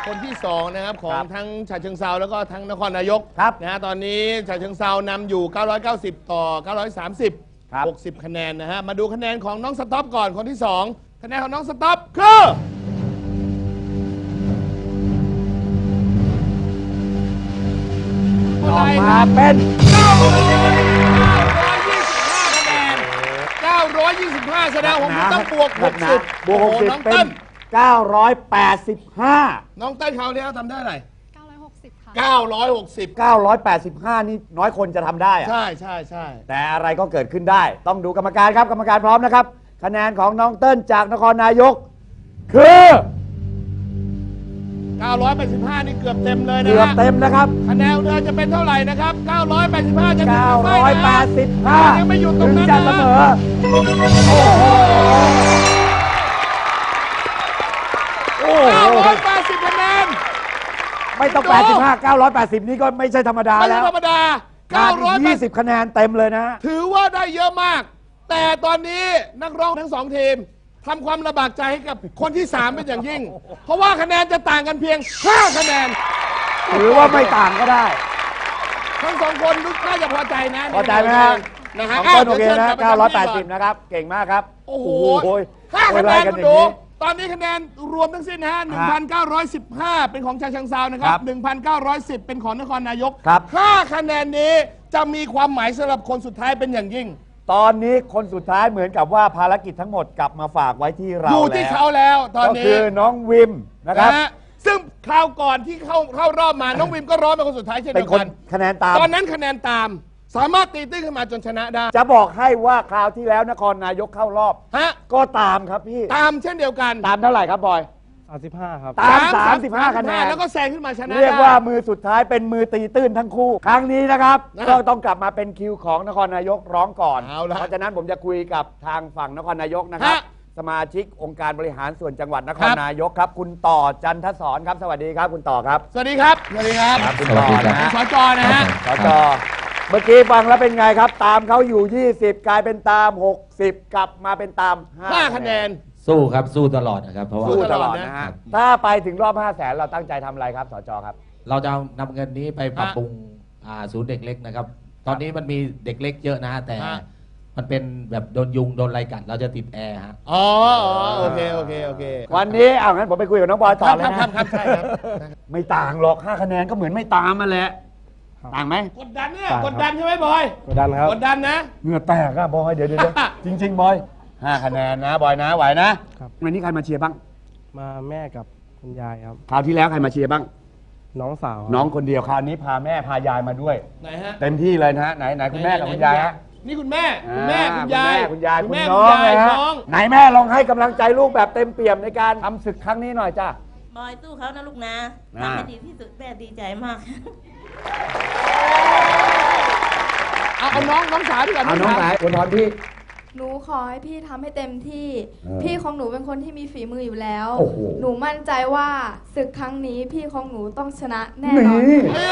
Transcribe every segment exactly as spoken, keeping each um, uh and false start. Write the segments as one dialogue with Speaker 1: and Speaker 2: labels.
Speaker 1: คนที่สองนะครับของทั้งฉะเชิงเทราแล้วก็ทั้งนครนายกนะฮะตอนนี้ฉะเชิงเทรานำอยู่เก้าร้อยเก้าสิบต่อเก้าร้อยสามสิบ หกสิบคะแนนนะฮะมาดูคะแนนของน้องสต๊อปก่อนคนที่สองคะแนนของน้องสต๊อปคือ
Speaker 2: ออกมาเป็น
Speaker 1: เก้าร้อยยี่สิบห้าคะแนนเก้าร้อยยี่สิบห้าแสดงผมต้องบวกหกสิบบวกหกสิบเป็น
Speaker 2: เก้าร้อยแปดสิบห้า
Speaker 1: น้องเต้นเขาเนี่ยทำได้อะไร
Speaker 3: เก้าร้อยหกสิบค่ะ
Speaker 1: เก้าร้อยหกสิบ
Speaker 2: เก้าร้อยแปดสิบห้านี่น้อยคนจะทำได้อะ
Speaker 1: ใช่ใช่ใช่
Speaker 2: แต่อะไรก็เกิดขึ้นได้ต้องดูกรรมการครับกรรมการพร้อมนะครับคะแนนของน้องเติ้ลจากนครนายกคือ
Speaker 1: เก้าร้อยแปดสิบห้านี่เกือบเต็มเลยนะ
Speaker 2: เกือบเต็มนะครับ
Speaker 1: คะแนนเธอจะเป็นเท่าไหร่นะครับเก้าร้อยแปดสิบห้าจะถึง
Speaker 2: เก้า
Speaker 1: หรือ
Speaker 2: ร้อยแปดสิบห้า
Speaker 1: ยังไม่หยุดตรงนั้น
Speaker 2: จะเสมอโอ้โหโอ้โห
Speaker 1: เก้าร้อยแปดสิบคะแนน
Speaker 2: ไม่ต้องแปดสิบห้า เก้าร้อยแปดสิบนี่ก็ไม่ใช่ธรรมดาแล้ว
Speaker 1: ไม่ใช่ธรรมดาเก้าร้อย
Speaker 2: ยี่สิบคะแนนเต็มเลยนะ
Speaker 1: ถือว่าได้เยอะมากแต่ตอนนี้นักร้องทั้งสองทีมทำความลำบากใจให้กับคนที่สามเป็นอย่างยิ่งเพราะว่าคะแนนจะต่างกันเพียงห้าคะแนน
Speaker 2: หรือว่าไม่ต่างก็ได้
Speaker 1: ทั้งสองคนน่าจะพอใจนะ
Speaker 2: พอใจไหมครับ
Speaker 1: นะฮะ
Speaker 2: ของต้นโอเคนะเก้าร้อยแปดสิบนะครับเก่งมากครับ
Speaker 1: โอ้โหห้าคะแนนคุณดูตอนนี้คะแนนรวมทั้งสิ้นนะฮะ หนึ่งพันเก้าร้อยสิบห้า เป็นของฉะเชิงเทรานะครับ หนึ่งพันเก้าร้อยสิบ เป็นของนครนายกห้าคะแนนนี้จะมีความหมายสำหรับคนสุดท้ายเป็นอย่างยิ่ง
Speaker 2: ตอนนี้คนสุดท้ายเหมือนกับว่าภารกิจทั้งหมดกลับมาฝากไว้ที่เรา
Speaker 1: อยู่ที่เขาแล้วตอนนี้
Speaker 2: ก็คือน้องวิมนะครับ
Speaker 1: ซึ่งคราวก่อนที่เข้าเข้ารอบมาน้องวิมก็ร้องเป็นคนสุดท้ายเช่นเดียวกัน
Speaker 2: คะแนนตาม
Speaker 1: ตอนนั้นคะแนนตามสามารถตีตื้นขึ้นมาจนชนะได้
Speaker 2: จะบอกให้ว่าคราวที่แล้วนครนายกเข้ารอบ
Speaker 1: ฮะ
Speaker 2: ก็ตามครับพี่
Speaker 1: ตามเช่นเดียวกัน
Speaker 2: ตามเท่าไหร่ครับบอย
Speaker 4: สามสิบห้าครับ
Speaker 2: ตามสามสิบห้าคะแนน
Speaker 1: แล้วก็แซงขึ้นมาชนะ
Speaker 2: เรียกว่ามือสุดท้ายเป็นมือตีตื้นทั้งคู่ครั้งนี้นะครับก็ต้องกลับมาเป็นคิวของนครนายกร้องก่อนเพราะฉะนั้นผมจะคุยกับทางฝั่งนครนายกนะครับสมาชิกองค์การบริหารส่วนจังหวัดนครนายกครับคุณต่อจันทศรครับสวัสดีครับคุณต่อครับ
Speaker 1: สวัสดีครับสวัสดีครับ
Speaker 2: คุณต่อนะ
Speaker 1: สจนะฮะ
Speaker 2: สจเมื่อกี้ฟังแล้วเป็นไงครับตามเขาอยู่ยี่สิบกลายเป็นตามหกสิบกลับมาเป็นตาม
Speaker 1: ห้าคะแนน
Speaker 4: สู้ครับสู้ตลอดนะครับเพราะว่า
Speaker 2: สู้ตลอดนะฮะถ้าไปถึงรอบห้าแสนเราตั้งใจทำอะไรครับสจครับ
Speaker 4: เราจะนำเงินนี้ไปปรับปรุงศูนย์เด็กเล็กนะครับตอนนี้มันมีเด็กเล็กเยอะนะฮะแต่มันเป็นแบบโดนยุงโดนไรกัดเราจะติดแอร์ฮะ
Speaker 1: อ๋อโอเคโอเคโอเค
Speaker 2: วันนี้เอางั้นผมไปคุยกับน้องบอยต่อเลย
Speaker 1: นะครับครับใช่ครับ
Speaker 2: ไม่ต่างหรอกห้าคะแนนก็เหมือนไม่ตามมาแหละต่างไหม
Speaker 1: กดดันเนี่ยกดดันใช่ไหมบอย
Speaker 4: กดดันครับ
Speaker 1: กดดันนะ
Speaker 2: เหงื่อแตกอะบอยเดี๋ยวเดี๋ยวจริงๆบอยห้าคะแนนนะบอยนะไหวนะครับวันนี้ใครมาเชียร์บ้าง
Speaker 4: มาแม่กับคุณยายครับ
Speaker 2: คราวที่แล้วใครมาเชียร์บ้าง
Speaker 4: น้องสาว
Speaker 2: น้องคนเดียวคราวนี้พาแม่พายายมาด้วย
Speaker 1: ไหนฮะ
Speaker 2: เต็มที่เลยนะฮะไหนไหนคุณแม่กับคุณยายฮะ
Speaker 1: นี่คุณแม่คุณแม่คุณยาย
Speaker 2: คุณยายคุณน้องนะฮะไหนแม่ลองให้กำลังใจลูกแบบเต็มเปี่ยมในการทำศึกครั้งนี้หน่อยจ้า
Speaker 5: บอยสู้เขานะลูกนะทำให้ดีที่สุดแม่ดีใจมาก
Speaker 1: เอาเอาน้องน้องสาวดีกว่า
Speaker 2: เอาน้องสาวคุณพรพี่
Speaker 3: หนูขอให้พี่ทำให้เต็มที่พี่ของหนูเป็นคนที่มีฝีมืออยู่แล้วหนูมั่นใจว่าศึกครั้งนี้พี่ของหนูต้องชนะแน่นอน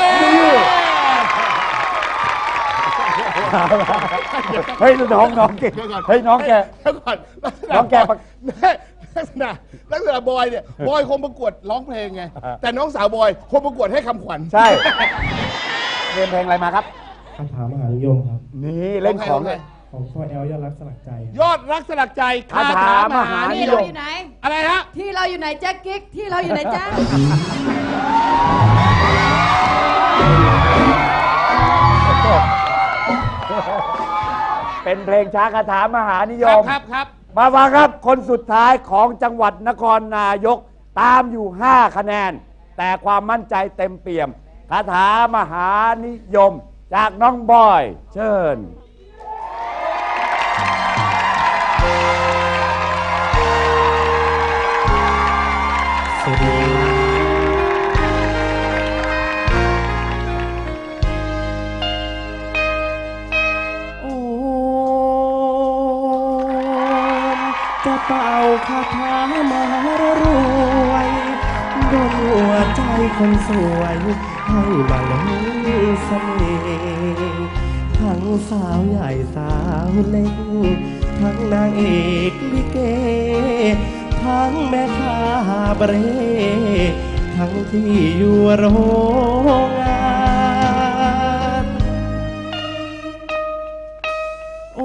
Speaker 2: เฮ้ยน้องน้องเก่งเฮ้ยน้องแก
Speaker 1: ก่อน
Speaker 2: น้องแก
Speaker 1: ลักษณะลักษณะบอยเนี่ยบอยคงประกวดร้องเพลงไงแต่น้องสาวบอยคงประกวดให้คำขวัญ
Speaker 2: ใช่เรียนเพลงอะไรมาครับ
Speaker 4: คำถามมหานิยมครับ
Speaker 2: นี่เล่นของเลย
Speaker 4: ของพ่อแอลยอดรักสลักใจ
Speaker 1: ยอดรักสลักใจ
Speaker 2: คาถามหานิยม
Speaker 3: ที่เราอยู่ไหน
Speaker 1: อะไรฮะ
Speaker 3: ที่เราอยู่ไหนแจ็คกิ๊กที่เราอยู่ไหนแจ็ค
Speaker 2: เป็นเพลงช้าคาถามหานิยม
Speaker 1: ครับครับ
Speaker 2: มาฟังครับคนสุดท้ายของจังหวัดนครนายกตามอยู่ห้าคะแนนแต่ความมั่นใจเต็มเปี่ยมคาถามหานิยมจากน้องบอยเชิญ
Speaker 4: สวัสดีโอ้จะเป่าคาถามหารวยโดนหัวใจคนสวยให้มาลงเสน่ห์ทั้งสาวใหญ่สาวเล็กทั้งนางเอกลิเกทั้งแม่ค้าเบรทั้งที่อยู่โรงงานโอ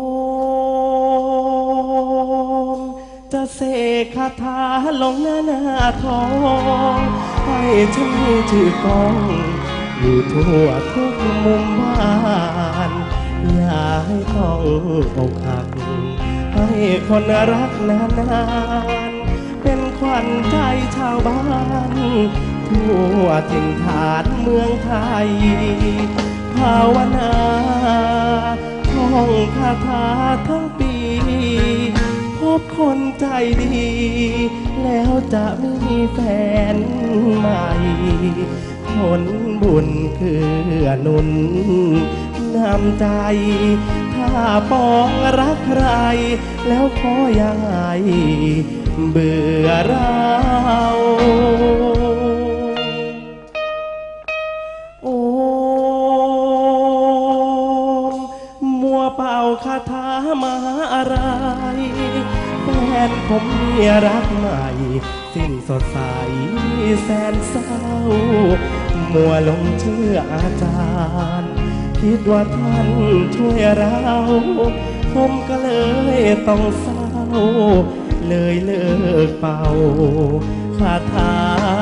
Speaker 4: มจะเสกคาถาลงหน้าหน้าทองให้ฉันมีชื่อกองอยู่ทั่วทุกมุมบ้านอย่าให้ต้องอกหักให้คนรักนานๆเป็นขวัญใจชาวบ้านทั่วถิ่นฐานเมืองไทยภาวนาท่องคาถาทั้งปีพบคนใจดี แล้วจะมีแฟนใหม่ผลบุญคือหนุนนำใจ ถ้าปองรักใคร แล้วขออย่าให้เบื่อเราโอ้มัวเป่าคาถามหาอะไรแฟนผมมีรักใหม่สิ้นสดใสแสนเศร้ามัวหลงเชื่ออาจารย์คิดว่าท่านช่วยเราผมก็เลยต้องเศร้าเลยเลิกเป่าคาถา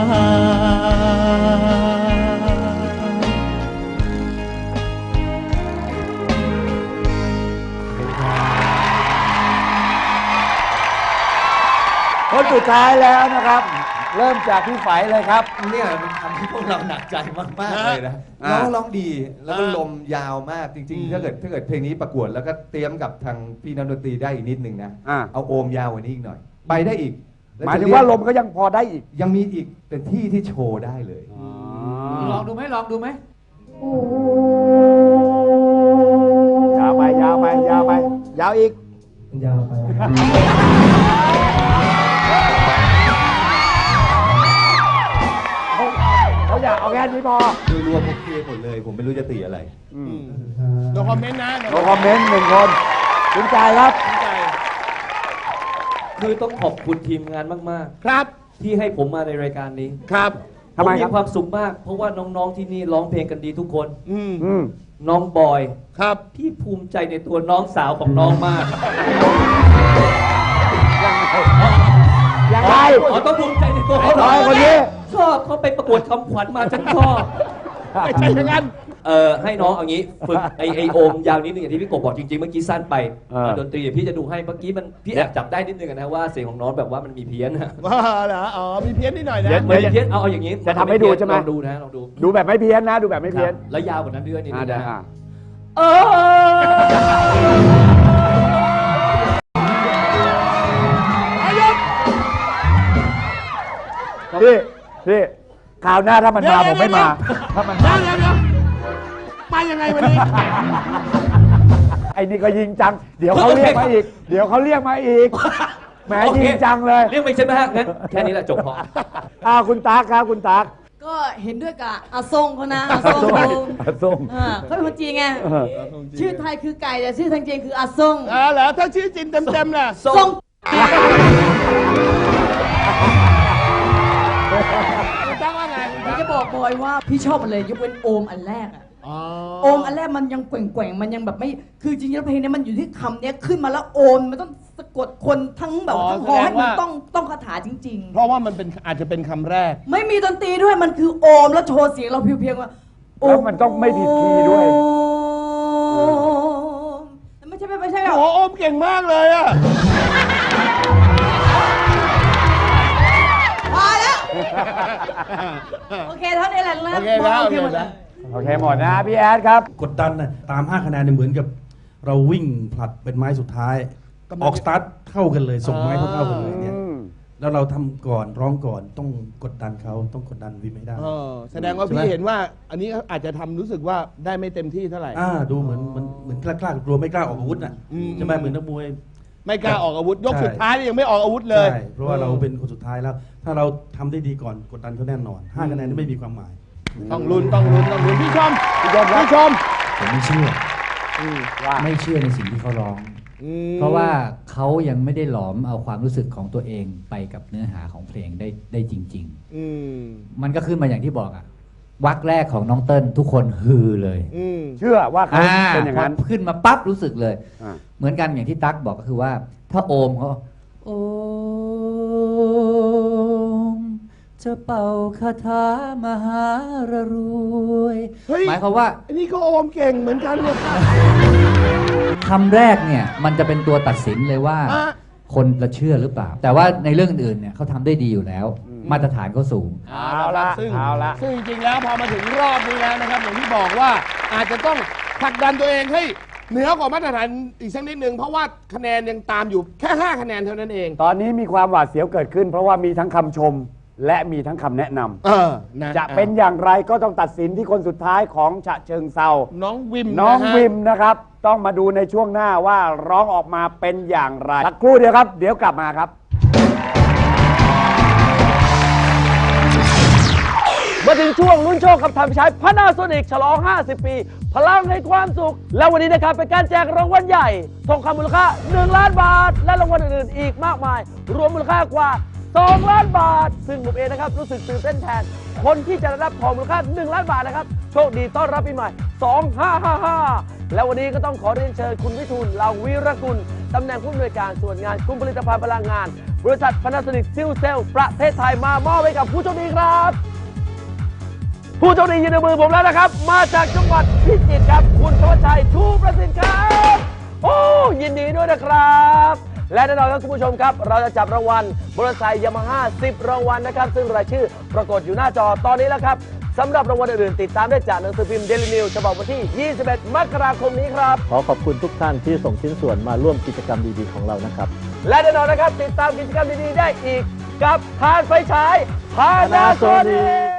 Speaker 2: คนสุดท้ายแล้วนะครับ เริ่มจากพี่ไฝเลยครับ
Speaker 6: เนี่ยมันทำให้พวกเราหนักใจมากๆเลยนะ
Speaker 2: อ่า
Speaker 6: ร้องร้องดีแล้วก็
Speaker 1: อ่า
Speaker 6: ลมยาวมากจริง
Speaker 1: อืม
Speaker 6: ๆ ถ้าเกิดถ้าเกิดเพลงนี้ประกวดแล้วก็เตรียมกับทางพี่นักดนตรีได้อีกนิดนึงนะ
Speaker 2: อ่า
Speaker 6: เอาโอมยาวกว่านี้อีกหน่อย ไปได้อีกแะ
Speaker 2: หมายถึงว่าลมก็ยังพอได้อีก
Speaker 6: ยังมีอีกแต่ที่ที่โชว์ได้เลย
Speaker 7: ลองดูไหมลองดูไหม
Speaker 2: ยาวไปยาวไปยาวไป ยาวอีก
Speaker 4: ยาวไป
Speaker 2: เขาอยากเอาแค่นี้พอ
Speaker 6: โดยรวมโอเคหมดเลย ผมไม่รู้จะตีอะไร
Speaker 1: โนคอมเมนต์นะ
Speaker 2: โนคอมเมนต์หนึ่งคนคุณใจครับ
Speaker 1: ใจ
Speaker 7: คือต้องขอบคุณทีมงานมาก
Speaker 1: ครับ
Speaker 7: ๆ ที่ให้ผมมาในรายการนี้
Speaker 1: ครับ
Speaker 2: ทำไม
Speaker 7: ผ
Speaker 2: ครับ
Speaker 7: มีความสุขมาก เพราะว่าน้องๆที่นี่ร้องเพลงกันดีทุกคน
Speaker 1: อืม
Speaker 2: อืม
Speaker 7: น้องบอย
Speaker 1: ครับ
Speaker 7: พี่ภูมิใจในตัวน้องสาวของน้องมาก
Speaker 2: ยังไง
Speaker 7: อ๋อต้องภูมิใจในตัวเขา
Speaker 2: น้อยคนนี้
Speaker 7: ชอบเขาไปประกวดคำขวัญมาฉันชอบ
Speaker 1: ไม่ใช่อย่างนั้น
Speaker 7: เอ่อให้น้องเอางี้ฝึกไอไอโอมยาวนิดนึงอย่างที่พี่กบบอกจริงๆเมื่อกี้สั้นไป
Speaker 2: เออ
Speaker 7: ดนตรีเดี๋ยวพี่จะดูให้เมื่อกี้มันพี่แอบจับได้นิดนึงนะว่าเสียงของน้องแบบว่ามันมีเพี้ยนนะ
Speaker 1: ว่าเหรอ อ๋อ มีเพี้ยนนิดหน่อยนะ
Speaker 2: เดี๋ยว
Speaker 7: เหมือนเพี้ยนเอาเอาอย่างนี้
Speaker 2: จะทำให้ดูใช่ไหม
Speaker 7: ลองดูนะลองดู
Speaker 2: ดูแบบไม่เพี้ยนนะ ดูแบบไม่เพี้ยน
Speaker 7: ครับแล้วยาวกว่านั้นด้วยนิด
Speaker 2: อ่า
Speaker 7: นึง
Speaker 2: ได้
Speaker 7: นะ
Speaker 2: อ่า
Speaker 7: เออ
Speaker 2: พี่พี่คราวหน้าถ้ามันมาผมไม่มา ถ้ามัน
Speaker 1: เดี๋ยวเดี๋ยวเดี๋ยวมายังไงวันนี้
Speaker 2: ไอ้นี่ก็ยิงจัง เดี๋ยวเขาเรียกมาอีก เดี๋ยวเขาเรียกมาอีก แหม
Speaker 7: โอเค
Speaker 2: ยิงจังเลย
Speaker 7: เรียกไม่ใช่ไหมฮะงั้นแค่นี้แหละจบพอ
Speaker 2: อ้าวคุณตั๊กครับคุณตั๊ก
Speaker 8: ก็เห็นด้วยกับอาทรงเขานะอาทรงเขา
Speaker 2: อาส้ม
Speaker 8: อ่าเขาเป็นคนจีนไง
Speaker 2: เออ
Speaker 8: ชื่อไทยคือไก่แต่ชื่อทางจีนคืออาทรง
Speaker 1: อ่าเหรอ ถ้าชื่อจริงเต็มๆน่ะ
Speaker 8: ทรง
Speaker 1: คุณตั้งว่าไง
Speaker 8: พี่จะบอกบอยว่าพี่ชอบมันเลยยกเว้นโอมอันแรกอะ
Speaker 1: อ๋อ
Speaker 8: โอมอันแรกมันยังแกว่งๆมันยังแบบไม่คือจริงๆแล้วเพลงเนี้ยมันอยู่ที่คำเนี้ยขึ้นมาแล้วโอมมันต้องสะกดคนทั้งแบบทั้งฮอให้มันต้องต้องคาถาจริง
Speaker 1: เพราะว่ามันเป็นอาจจะเป็นคำแรก
Speaker 8: ๆ ไม่มีดนตรีด้วยมันคือโอมแล้วโชว์เสียงเราเพียงๆว่าโอ
Speaker 2: แล้วมันต้องไม่ผิดคีย์ด้วย
Speaker 8: โอมไม่ใช่ไม่ใช่แบบ
Speaker 1: โอ้โหโอมเก่งมากเลยอะ
Speaker 8: พอแล้ว โอเคเท่านี้แหละเริ่
Speaker 1: โอ
Speaker 8: ม
Speaker 1: เคแล้ว
Speaker 8: โอ
Speaker 1: โอ
Speaker 8: เค
Speaker 1: เค
Speaker 8: หมด
Speaker 1: แล้
Speaker 8: แล้ว ว
Speaker 2: โอเคหมดนะพี่แอดครับ
Speaker 9: กดดันนะตามห้าคะแนนเนี่ยเหมือนกับเราวิ่งผลัดเป็นไม้สุดท้าย ออกสตาร์ทเท่ากันเลย ส่งไม้เท่าๆกันเลยเนี่ย
Speaker 2: อืม
Speaker 9: แล้วเราทำก่อนร้องก่อนต้องกดดันเขาต้องกดดันวิไม่ได้
Speaker 1: เออแสดงว่า
Speaker 9: ใช่ไหม
Speaker 1: พี่เห็นว่า อันนี้อาจจะทำรู้สึกว่าได้ไม่เต็มที่เท่าไหร่
Speaker 9: อ่าดูเหมือนเหมันเหมือนกล้ากล้ากลัวไม่กล้าออกอาวุธน่ะ
Speaker 1: อืม
Speaker 9: ใช่ไหมเหมือนนักมวย
Speaker 1: ไม่กล้าออกอาวุธ ยก
Speaker 9: ใช่
Speaker 1: สุดท้ายนี่ยังไม่ออกอาวุธเลย
Speaker 9: ใช่เพราะว่าเราเป็นคนสุดท้ายแล้ว ถ้าเราทำได้ดีก่อนกดดันเขาแน่นอนห้าคะแนนนี่ไม่มีความหมาย
Speaker 1: ต้องลุ้นต้องลุ้นต้องลุ้นพี่ชมพี่ชมพี่ชม
Speaker 10: ผมไม่เชื่อ
Speaker 2: ว่า
Speaker 10: ไม่เชื่อในสิ่งที่เขาร้องเพราะว่าเขายังไม่ได้หลอมเอาความรู้สึกของตัวเองไปกับเนื้อหาของเพลงได้ได้จริงๆมันก็ขึ้นมาอย่างที่บอกอะวรรคแรกของน้องเติ้ลทุกคนฮือเลย
Speaker 2: เชื่อว่าเขาเป็นอย่างนั้น
Speaker 10: ขึ้นมาปั๊บรู้สึกเลยเหมือนกันอย่างที่ตั๊กบอกก็คือว่าถ้าโอมเขาโอมจะเป่าคาถามหารรวยหมายความว่า
Speaker 1: อันนี้ก็โอมเก่งเหมือนกันเลย
Speaker 10: คำแรกเนี่ยมันจะเป็นตัวตัดสินเลยว่าคนจะเชื่อหรือเปล่าแต่ว่าในเรื่องอื่นเนี่ยเขาทำได้ดีอยู่แล้วมาตรฐานเขาสูง
Speaker 1: เอาละซึ่งซึ่งจริงๆแล้วพอมาถึงรอบนี้แล้วนะครับอย่างที่บอกว่าอาจจะต้องผลักดันตัวเองให้เหนือกว่ามาตรฐานอีกสักนิดนึงเพราะว่าคะแนนยังตามอยู่แค่ห้าคะแนนเท่านั้นเอง
Speaker 2: ตอนนี้มีความหวาดเสียวเกิดขึ้นเพราะว่ามีทั้งคำชมและมีทั้งคำแนะนำจะเป็นอย่างไรก็ต้องตัดสินที่คนสุดท้ายของฉะเชิงเซา
Speaker 1: น้องวิม
Speaker 2: น้องวิมนะครับต้องมาดูในช่วงหน้าว่าร้องออกมาเป็นอย่างไรสักครู่เดียวครับเดี๋ยวกลับมาครับ
Speaker 11: มาถึงช่วงลุ้นโชคกับทำใช้พานาโซนิกฉลองห้าสิบปีพลังให้ความสุขแล้ววันนี้นะครับเป็นการแจกรางวัลใหญ่ทองคำมูลค่าหนึ่งล้านบาทและรางวัลอื่นๆอีกมากมายรวมมูลค่ากว่าสองล้านบาทซึ่งผมเองนะครับรู้สึกตื่นเต้นแทนคนที่จะได้รับทองมูลค่าหนึ่งล้านบาทนะครับโชคดีต้อนรับปีใหม่สองห้าห้าห้าและวันนี้ก็ต้องขอเรียนเชิญคุณวิทูลเหล่าวีรกุลตำแหน่งผู้อำนวยการส่วนงานกลุ่มผลิตภัณฑ์พลังงานบริษัทพานาโซนิกซิลเซลประเทศไทยมามอบให้กับผู้โชคดีครับผู้โชคดีอยู่ในมือผมแล้วนะครับมาจากจังหวัดพิจิตรครับคุณธวัชชัยชูประสิทธิ์ครับโอ้ยินดีด้วยนะครับและแน่นอนครับคุณผู้ชมครับเราจะจับรางวัลมอเตอร์ไซค์ยามาฮ่าสิบรางวัลนะครับซึ่งรายชื่อปรากฏอยู่หน้าจอตอนนี้แล้วครับสำหรับรางวัลอื่นๆติดตามได้จากหนังสือพิมพ์เดลินิวฉบับวันที่ยี่สิบเอ็ดมกราคมนี้ครับ
Speaker 12: ขอขอบคุณทุกท่านที่ส่งชิ้นส่วนมาร่วมกิจกรรมดีๆของเรานะครับ
Speaker 11: และแน่นอนนะครับติดตามกิจกรรมดีๆได้อีกกับทานไฟฉายพานาโซนิก